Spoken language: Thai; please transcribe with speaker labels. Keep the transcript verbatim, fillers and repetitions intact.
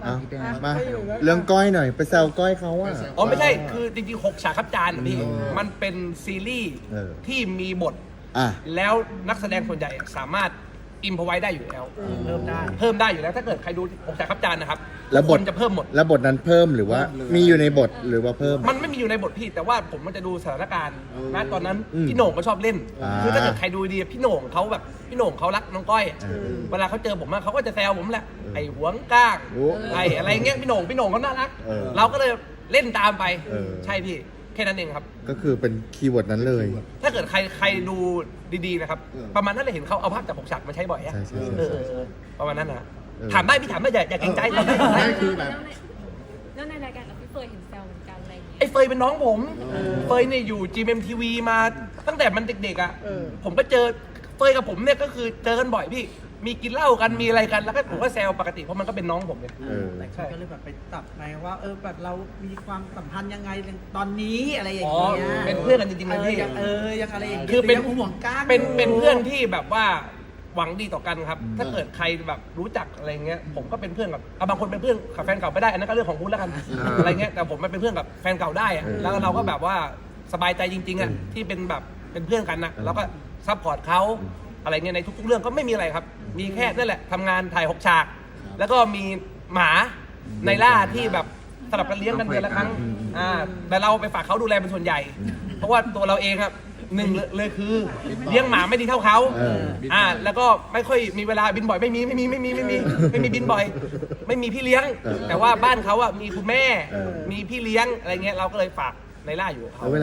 Speaker 1: อ่ะ
Speaker 2: พี่แดง
Speaker 1: มาเรื่องก้อยหน่อยไปแซวก้อยเขาอ่ะ
Speaker 3: อ๋อไม่ใช่คือจริงๆหกฉากครับจานพี่มันเป็นซีรีส์
Speaker 1: เออ
Speaker 3: ที่มีบท
Speaker 1: อ่ะ
Speaker 3: แล้วนักแสดงส่วนใหญ่สามารถอิมพอไว้ได้อยู่แล้วเพิ่มได้เพิ่มได้อยู่แล้วถ้าเกิดใครดูหกฉากครับจานนะครับ
Speaker 1: แล้วบท
Speaker 3: คนจะเพิ่มหมด
Speaker 1: แล้วบทนั้นเพิ่มหรือว่ามีอยู่ในบทหรือว่าเพิ่ม
Speaker 3: มันไม่มีอยู่ในบทพี่แต่ว่าผมมันจะดูสถานการณ์นะตอนนั้น
Speaker 1: อืม
Speaker 3: พี่โหน่งก็ชอบเล่น
Speaker 1: อ่า
Speaker 3: คือถ้าเกิดใครดูดีพี่โหน่งเขาแบบพี่โหน่งเขารักน้องก้อย
Speaker 1: เออ
Speaker 3: เวลาเขาเจอผมอะเขาก็จะแซวผมแหละไอ้หวงก้าง
Speaker 1: โอ้
Speaker 3: ไอ้อะไรเงี้ยพี่โหน่งพี่โหน่งเขาน่ารัก
Speaker 1: เออ
Speaker 3: เราก็เลยเล่นตามไป
Speaker 1: เออ
Speaker 3: ใช่พี่แค่นั้นเองครับ
Speaker 1: ก็คือเป็นคีย์เวิร์ดนั้นเลย
Speaker 3: ถ้าเกิดใครใครดูดีๆนะครับประมาณนั้นเลยเห็นเขาเอาภาพจากหกฉากมาใช้บ่อยอะ
Speaker 1: ใช่ใช่ใช่
Speaker 3: เออเออเออประมาณนั้นนะ
Speaker 1: เออ
Speaker 3: ถามได้พี่ถามได้อย่าอย่าเกรงใจถามได้ถามได้
Speaker 4: ไม่คือแบบ
Speaker 5: แล้วในรายการเราพี่เฟยเห็นแซวเหมือนกันอะไรอย่างเงี้ย
Speaker 3: ไอ้เฟยเป็นน้องผม เฟยเนี่ยอยู่ จี เอ็ม ที วี มาตั้งแต่มันเด็กๆอ่ะ ผมก็เจอเฟยกับผมเนี่ยก็คือเจอกันบ่อยพี่ มีกินเหล้ากันมีอะไรกันแล้วก็ผมก็แซวปกติเพราะมันก็เป็นน้องผมเนี่ย
Speaker 1: เออ
Speaker 2: หลายคนก็เลยแบบไปจับไงว่าเออแบบเรามีความสัมพันธ์ยังไงตอนนี้อะไรอย่าง
Speaker 3: อ๋อ
Speaker 2: เงี้ย
Speaker 3: เป็นเพื่อนกันจริงๆ
Speaker 2: เอ
Speaker 3: เลย
Speaker 2: อ
Speaker 3: พี่
Speaker 2: ยังเออยังอะไรอย่างเงี้ย
Speaker 3: คือเป็น
Speaker 2: ยังห่วงก้าง
Speaker 3: เป็น
Speaker 2: อยู่
Speaker 3: เป็นเพื่อนที่แบบว่าหวังดีต่อกันครับ ถ้าเกิดใครแบบรู้จักอะไรเงี้ย ผมก็เป็นเพื่อนกับอ่ะบางคนเป็นเพื่อนกับแฟนเก่าไม่ได้อันนั้นก็เรื่องของคุณแล้วกันอะไรเงี้ย แต่ผมมันเป็นเพื่อนกับแฟนเก่าได้อะ
Speaker 1: เออ
Speaker 3: แล้วเราก็แบบว่าสบายใจจริงๆอ่ะ
Speaker 1: เออ
Speaker 3: ที่เป็นแบบเป็นเพื่อนกันนะ
Speaker 1: เออ
Speaker 3: เราก็ซัพพอร์ตเขาอะไรเงี้ยในทุกๆเรื่องก็ไม่มีอะไรครับ มีแค่นั่นแหละทำงานถ่ายหกฉาก แล้วก็มีหมาในล่าที่แบบสลับกันเลี้ยงกันเดือนละครั้ง อ่า แต่เราไปฝากเขาดูแลเป็นส่วนใหญ่ เพราะว่าตัวเราเองครับหนึ่งเลยเลยคือเลี้ยงหมาไม่ดีเท่าเขา
Speaker 1: เออ
Speaker 3: อ่า แล้วก็ไม่ค่อยมีเวลาบินบ่อยไม่มีไม่มีไม่มีไม่มีไม่มีบินบ่อย ไม่มีพี่เลี้ยง
Speaker 1: เออ
Speaker 3: แต่ว่าบ้านเขาอ่ะมีคุณแม่
Speaker 1: เออ
Speaker 3: มีพี่เลี้ยงอะไรเงี้ยเราก็เลยฝากในล่าอยู่กับเขา
Speaker 1: แล้วเวลา